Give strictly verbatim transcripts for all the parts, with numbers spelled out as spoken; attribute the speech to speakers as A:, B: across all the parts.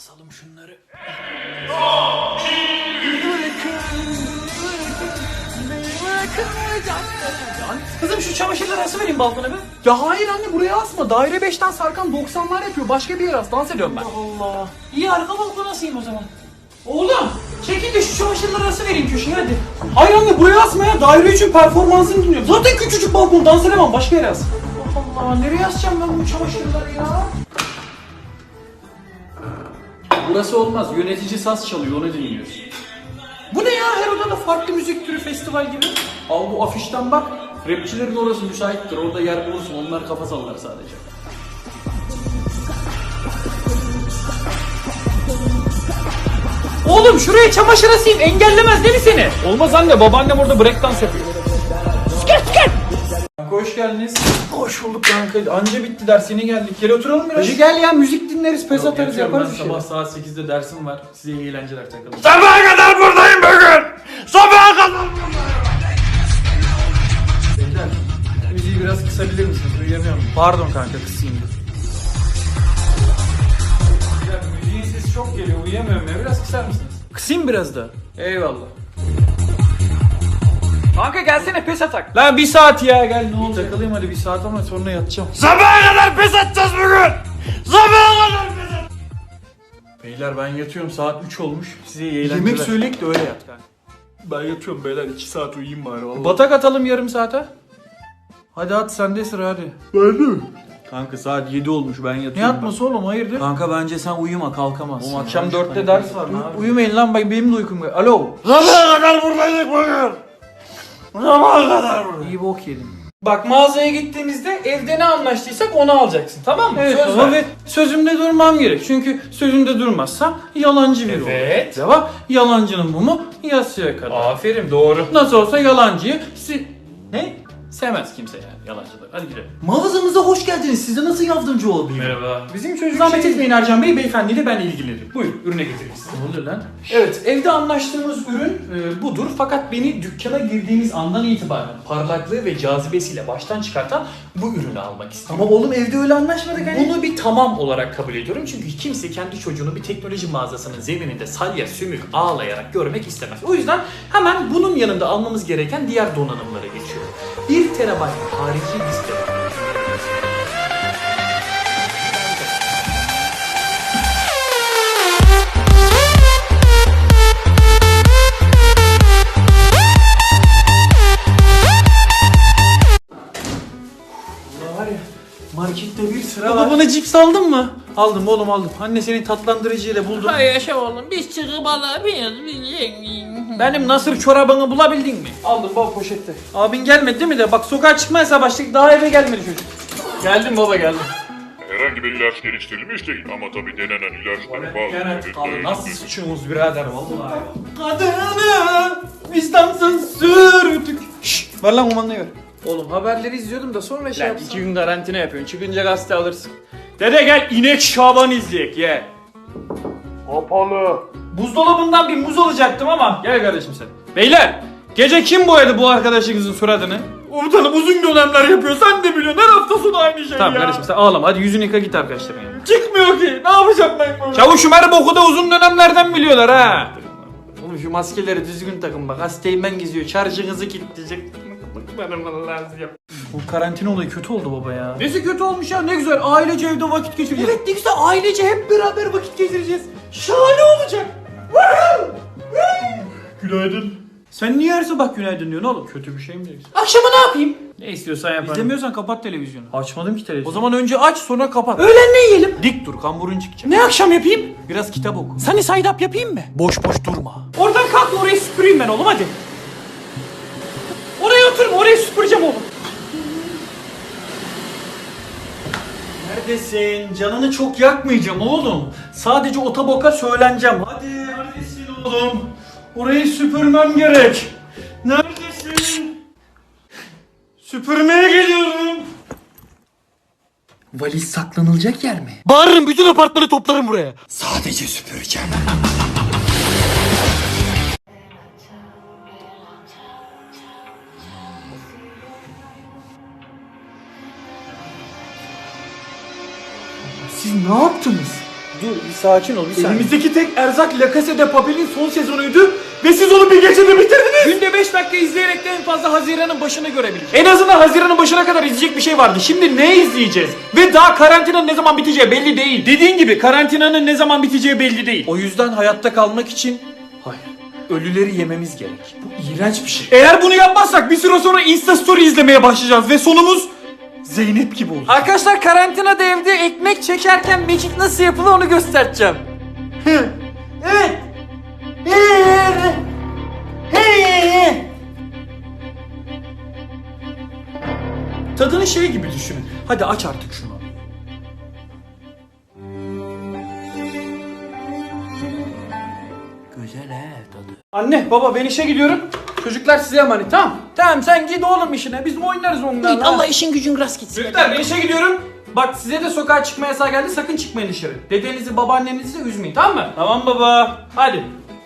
A: Asalım şunları. Kızım şu çamaşırları asıvereyim balkona be.
B: Ya hayır anne, buraya asma. Daire beşten Sarkan doksanlar yapıyor. Başka bir yere as. Dans ediyorum ben.
A: Allah Allah. İyi, arka balkona asayım o zaman. Oğlum çekil de şu çamaşırları asıvereyim köşeye hadi.
B: Hayır anne, buraya asma ya. Daire üçün performansını dinliyorum. Zaten küçücük balkon, dans edemem. Başka yere as.
A: Allah Allah, nereye asacağım ben bu çamaşırları ya?
B: Burası olmaz. Yönetici saz çalıyor, onu dinliyoruz.
A: Bu ne ya, her odada farklı müzik türü, festival gibi.
B: Al bu afişten bak. Rapçilerin orası müsaittir. Orada yer bulursun. Onlar kafa sallar sadece.
A: Oğlum şuraya çamaşır asayım, engellemez değil mi seni?
B: Olmaz anne. Babaannem orada breakdance yapıyor. Kanka hoş geldiniz.
A: Hoş bulduk kanka, anca bitti ders, yeni geldik. Gel oturalım biraz.
B: Hacı gel ya, müzik dinleriz, pes atarız,
A: yatıyorum,
B: yaparız
A: ben
B: bir şeyler.
A: sabah saat sekizde dersim var. Size iyi eğlenceler, takılın.
C: Sabaha kadar buradayım bugün. Sabaha kadar.
A: Beyler, müziği biraz kısabilir misiniz? Uyuyamıyorum.
B: Pardon kanka, kısayım dur.
A: Ya müziğin sesi çok geliyor, uyuyamıyorum ya. Biraz kısar mısınız?
B: Kısayım biraz da.
A: Eyvallah.
B: Kanka gelsene, pes atak.
A: Lan bir saat ya, gel ne olacak?
B: Takılayım hadi bir saat ama sonra yatacağım.
C: Sabaha kadar pes atacağız bugün. Sabaha kadar pes atacağız.
B: Beyler ben yatıyorum, saat üç olmuş. Size iyi eğlenceler.
A: Yemek söyleyip de öyle yat kanka.
B: Ben yatıyorum beyler, iki saat uyuyayım bari vallahi.
A: Batak atalım yarım saate. Hadi at, sende sıra hadi.
B: Ben de. Kanka saat yedi olmuş, ben yatıyorum.
A: Ne yatması oğlum, hayırdır?
B: Kanka bence sen uyuma, kalkamazsın.
A: Oğlum
B: ya.
A: akşam
B: Üç
A: dörtte
B: tane
A: ders var.
B: Uy-
A: Uyumayın lan, bak benim de uykum var. Alo.
C: Sabaha kadar buradaydık bugün. Sabaha kadar buradaydık.
A: İyi bok yedim. Bak mağazaya gittiğimizde evde ne anlaştıysak onu alacaksın, tamam mı?
B: Evet,
A: Söz
B: baba.
A: ver. Sözümde durmam gerek. Çünkü sözümde durmazsam yalancı biri olur.
B: Evet.
A: Cevap, yalancının mumu yasıya kadar.
B: Aferin, doğru.
A: Nasıl olsa yalancıyı si... Ne? Sevmez kimse yani yalancıları. Hadi gidelim.
B: Mağazamıza hoş geldiniz. Size nasıl yardımcı olayım?
A: Merhaba.
B: Bizim çocuk
A: Zahmet
B: şey-
A: etmeyin Ercan Bey, beyefendiyle ben ilgilenirim. Buyurun, ürüne getiririz.
B: Ne oluyor lan?
A: Evet, evde anlaştığımız ürün e, budur. Fakat beni dükkana girdiğimiz andan itibaren parlaklığı ve cazibesiyle baştan çıkartan bu ürünü almak istiyorum.
B: Ama oğlum evde öyle anlaşmadık hani.
A: Bunu bir tamam olarak kabul ediyorum çünkü kimse kendi çocuğunu bir teknoloji mağazasının zemininde salya sümük ağlayarak görmek istemez. O yüzden hemen bunun yanında almamız gereken diğer donanımlara geçiyorum. bir terabayt harici display. Var ya, markette bir sıra
B: Baba
A: var.
B: bana cips aldın mı?
A: Aldım oğlum, aldım. Anne senin tatlandırıcıyla buldum.
D: Hay yaşa oğlum, biz çıkıp alabiliriz biz zengin.
A: Benim nasır çorabını bulabildin mi? Aldım baba, poşette. Abin gelmedi değil mi de? Bak sokağa çıkmayasa başladık, daha eve gelmedi çocuk. Geldim baba, geldim.
E: Herhangi bir ilaç geliştirilmiş değil ama tabii denenen ilaçları bazı
A: Abi
E: ürünlerin-
A: nasıl suçumuz birader vallahi. Kadını vicdansız sürdük. Şşş, ver lan kumandayı ver. Oğlum haberleri izliyordum da sonra şey
B: Lan
A: yapsam.
B: iki gün karantina yapıyorsun. Çıkınca gazete alırsın.
A: Dede gel, inek Şaban izleyek ye.
E: Kapalı.
A: Buzdolabından bir muz alacaktım ama. Gel kardeşim sen. Beyler, gece kim boyadı bu arkadaşınızın suratını?
B: Komutanım uzun dönemler yapıyor. Sen de biliyorsun. Her hafta sonu aynı şey
A: Tamam
B: ya.
A: kardeşim sen ağlama, hadi yüzünü yıka git arkadaşlarına yanına.
B: Çıkmıyor ki. Ne yapacağım ben böyle?
A: Çavuşum her boku da uzun dönemlerden biliyorlar ha. Oğlum şu maskeleri düzgün takın bak, hastayım geziyor, şarjınızı kilitleyecek. Bu karantina olayı kötü oldu baba ya. Nesi kötü olmuş ya, ne güzel ailece evde vakit geçireceğiz.
B: Evet ne güzel, ailece hep beraber vakit geçireceğiz. Şahane olacak.
A: Günaydın. Sen niye her sabah günaydın diyorsun oğlum? Kötü bir şey mi diyorsun?
B: Akşama ne yapayım?
A: Ne istiyorsan yaparım.
B: İzlemiyorsan kapat televizyonu.
A: Açmadım ki televizyonu.
B: O zaman önce aç sonra kapat. Öğlen ne yiyelim?
A: dik dur, kamburun çıkacak.
B: Ne akşam yapayım?
A: Biraz kitap oku.
B: Sunny side up yapayım mı?
A: Boş boş durma.
B: Oradan kalk da orayı süpüreyim ben oğlum hadi. Oraya oturma, orayı süpüreceğim oğlum.
A: Neredesin? Canını çok yakmayacağım oğlum. Sadece otoboka söyleneceğim. Hadi neredesin oğlum? Orayı süpürmem gerek. Neredesin? Süpürmeye geliyorum.
B: Valiz saklanılacak yer mi?
C: Bağırırım, bütün apartmanı toplarım buraya.
B: Sadece süpüreceğim. Siz ne yaptınız? Dur bir sakin ol bir saniye.
A: Elimizdeki tek erzak La Casa de Papel'in son sezonuydu ve siz onu bir gecede bitirdiniz. Günde beş dakika izleyerek de en fazla Haziran'ın başını görebiliriz. En azından Haziran'ın başına kadar izleyecek bir şey vardı. Şimdi ne izleyeceğiz? Ve daha karantinanın ne zaman biteceği belli değil. Dediğin gibi karantinanın ne zaman biteceği belli değil.
B: O yüzden hayatta kalmak için hayır, ölüleri yememiz gerek.
A: Bu iğrenç bir şey. Eğer bunu yapmazsak bir süre sonra Insta Story izlemeye başlayacağız ve sonumuz Zeynep gibi olacak.
B: Arkadaşlar karantinada evde ekmek çekerken mekik nasıl yapılır onu göstereceğim. Evet.
A: Tadını şey gibi düşünün. Hadi aç artık şunu.
B: Güzel he tadı.
A: Anne baba ben işe gidiyorum. Çocuklar size emanet tamam.
B: Tamam sen git oğlum işine biz oynarız onlarla.
D: Git Allah işin gücün rast gitsin.
A: Çocuklar ben işe gidiyorum. Bak size de sokağa çıkma yasağı geldi sakın çıkmayın dışarı. Dedenizi babaannenizi de üzmeyin tamam mı? Tamam baba. Hadi.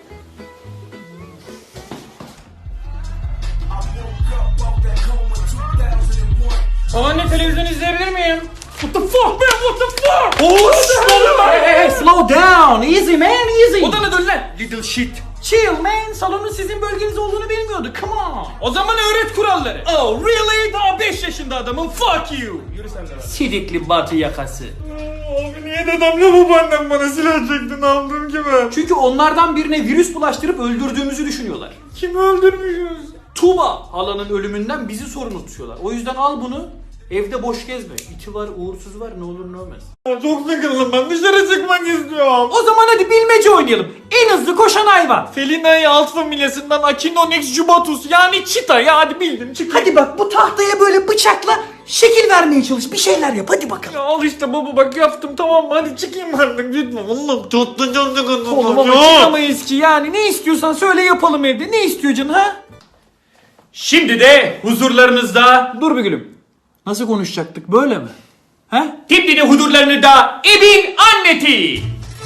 A: Babaanne televizyon izleyebilir miyim? What the fuck man what the fuck? Oh shit.
B: Hey, hey, hey, slow down. Easy man easy.
A: Odana dön lan. Little shit.
B: Chill man. Salonun sizin bölgeniz olduğunu bilmiyordu. Come on.
A: O zaman öğret kuralları. Oh really? Daha beş yaşında adamım. Fuck you. Yürü sen de. lan.
B: Sidikli batı yakası.
C: Abi niye dedemle babaannem bana silah çekti ne yaptım ki ben?
A: Çünkü onlardan birine virüs bulaştırıp öldürdüğümüzü düşünüyorlar.
C: Kimi öldürmüşüz?
A: Tuğba halanın ölümünden bizi sorumlu tutuyorlar. O yüzden al bunu. Evde boş gezme. İti var, uğursuz var. Ne olur ne olmaz.
C: Çok sıkıldım ben dışarı çıkmak istiyorum.
A: O zaman hadi bilmece oynayalım. En hızlı koşan hayvan.
C: Felina'yı alt familyasından Acinonyx jubatus yani çita ya hadi bildim çık.
B: Hadi bak bu tahtaya böyle bıçakla şekil vermeye çalış. Bir şeyler yap hadi bakalım.
C: Ya al işte baba bak yaptım tamam mı hadi çıkayım artık lütfen. Allah'ım çok da çok sıkıldım.
A: Oğlum ama çıkamayız ki yani. Ne istiyorsan söyle yapalım evde. Ne istiyor canın ha? Şimdi de huzurlarınızda...
B: Dur bir gülüm. Nasıl konuşacaktık böyle mi? He?
A: Şimdi de huzurlarınızda Ebin Anneti.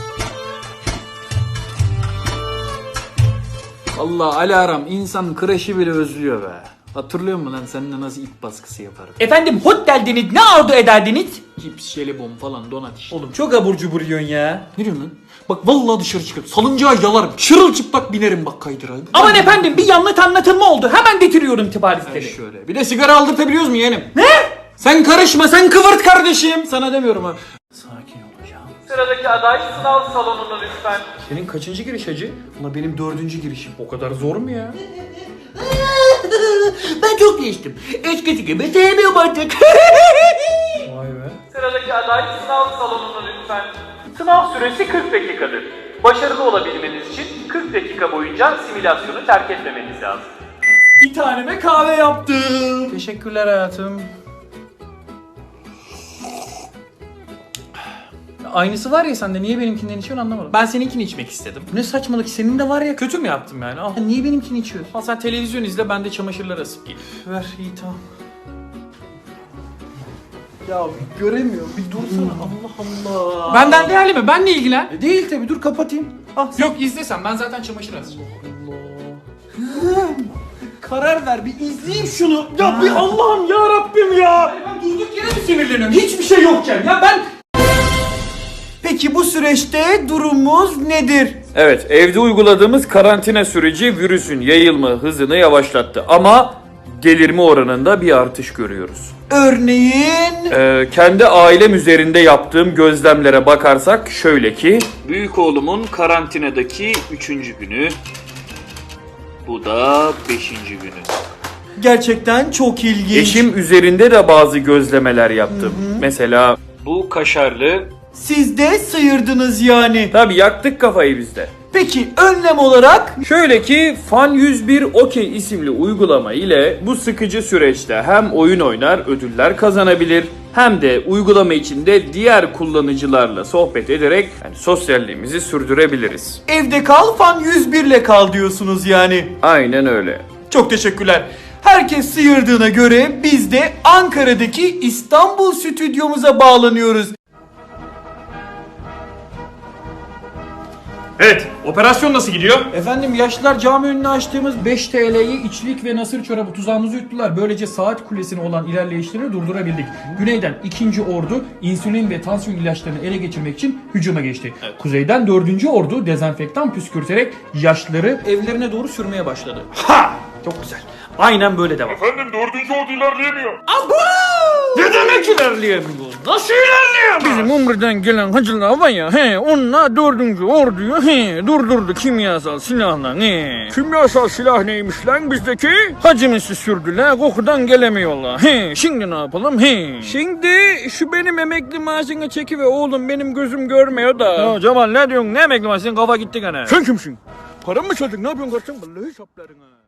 B: Allah alarm insan kreşi bile özlüyor be. Hatırlıyor musun lan seninle nasıl ip baskısı yapardık?
A: Efendim hot geldiniz ne arzu ederdiniz?
B: Cips, jelibon falan donat işte.
A: Oğlum çok abur cubur yiyorsun ya.
B: Ne diyorsun lan? Bak vallahi dışarı çıkarım. Salıncağa yalarım. Çırılçıplak binerim bak kaydıra.
A: Aman efendim bir yanlış anlatılma oldu. Hemen getiriyorum tıpa listeli.
B: Şöyle. Bir de sigara aldırtabiliyoruz mu yeğenim? Ne? Sen karışma sen kıvırt kardeşim. Sana demiyorum ha. Sakin olacağım.
A: Sıradaki aday sınav salonuna lütfen.
B: Senin kaçıncı giriş hacı?
A: Ulan benim dördüncü girişim. O kadar zor mu ya?
D: Ben çok geçtim. Eskisi gibi sevmiyorum artık.
A: Vay be. Sıradaki aday sınav salonuna lütfen. Sınav süresi kırk dakikadır. Başarılı olabilmeniz için kırk dakika boyunca simülasyonu terk etmemeniz lazım. Bir taneme kahve yaptım.
B: Teşekkürler hayatım. Aynısı var ya sende niye benimkinden içiyorsun anlamadım.
A: Ben seninkini içmek istedim.
B: Ne saçmalık senin de var ya.
A: Kötü mü yaptım yani? Al.
B: Niye benimkini içiyorsun?
A: Al sen televizyon izle ben de çamaşırları asıp geleyim.
B: Ver iyi tamam. Ya bir göremiyorum bir dursana Allah Allah.
A: Benden değerli mi? Benle ilgilen.
B: E, Değil tabi dur kapatayım. Ah sen-
A: Yok izlesen ben zaten çamaşır asacağım.
B: Karar ver bir izleyeyim şunu. Ya bir Allah'ım ya Rabbim ya.
A: Ben durduk yere mi sinirleniyorum? Hiçbir şey yokken ya ben...
B: Peki bu süreçte durumumuz nedir?
F: Evet, evde uyguladığımız karantina süreci virüsün yayılma hızını yavaşlattı ama delirme oranında bir artış görüyoruz.
B: Örneğin...
F: Ee, kendi ailem üzerinde yaptığım gözlemlere bakarsak şöyle ki... Büyük oğlumun karantinadaki üçüncü günü, bu da beşinci günü.
B: Gerçekten çok ilginç.
F: Eşim üzerinde de bazı gözlemeler yaptım. Mesela bu kaşarlı...
B: Siz de sıyırdınız yani.
F: Tabii yaktık kafayı bizde.
B: Peki önlem olarak?
F: Şöyle ki Fan yüz bir Okey isimli uygulama ile bu sıkıcı süreçte hem oyun oynar ödüller kazanabilir hem de uygulama içinde diğer kullanıcılarla sohbet ederek yani sosyalliğimizi sürdürebiliriz.
B: Evde kal fan yüz bir ile kal diyorsunuz yani.
F: Aynen öyle.
B: Çok teşekkürler. Herkes sıyırdığına göre biz de Ankara'daki İstanbul stüdyomuza bağlanıyoruz.
A: Evet, operasyon nasıl gidiyor?
B: Efendim yaşlılar cami önüne açtığımız beş T L'yi içlik ve nasır çorabı tuzağımızı yuttular. Böylece saat kulesine olan ilerleyişlerini durdurabildik. Güneyden ikinci ordu insülin ve tansiyon ilaçlarını ele geçirmek için hücuma geçti. Kuzeyden dördüncü ordu dezenfektan püskürterek yaşlıları evlerine doğru sürmeye başladı.
A: Ha! Çok güzel. Aynen böyle devam.
E: Efendim dördüncü ordu ilerleyemiyor.
B: Ne demek ilerleyemiyor? Nasıl ilerleyemiyor? Bizim Umre'den gelen hacılar var ya, he, onunla dördüncü orduyu he, durdurdu kimyasal silahla. He. Kimyasal silah neymiş lan bizdeki? Hacımızı sürdüler, kokudan gelemiyorlar. He. Şimdi ne yapalım? He. Şimdi şu benim emekli maaşını çekiver oğlum, benim gözüm görmüyor da. Ya Cemal ne diyorsun? Ne emekli maaşı? Senin kafa gitti gene. Sen kimsin? Param mı çaldın? Ne yapıyorsun kardeşim? Vallahi saplarına.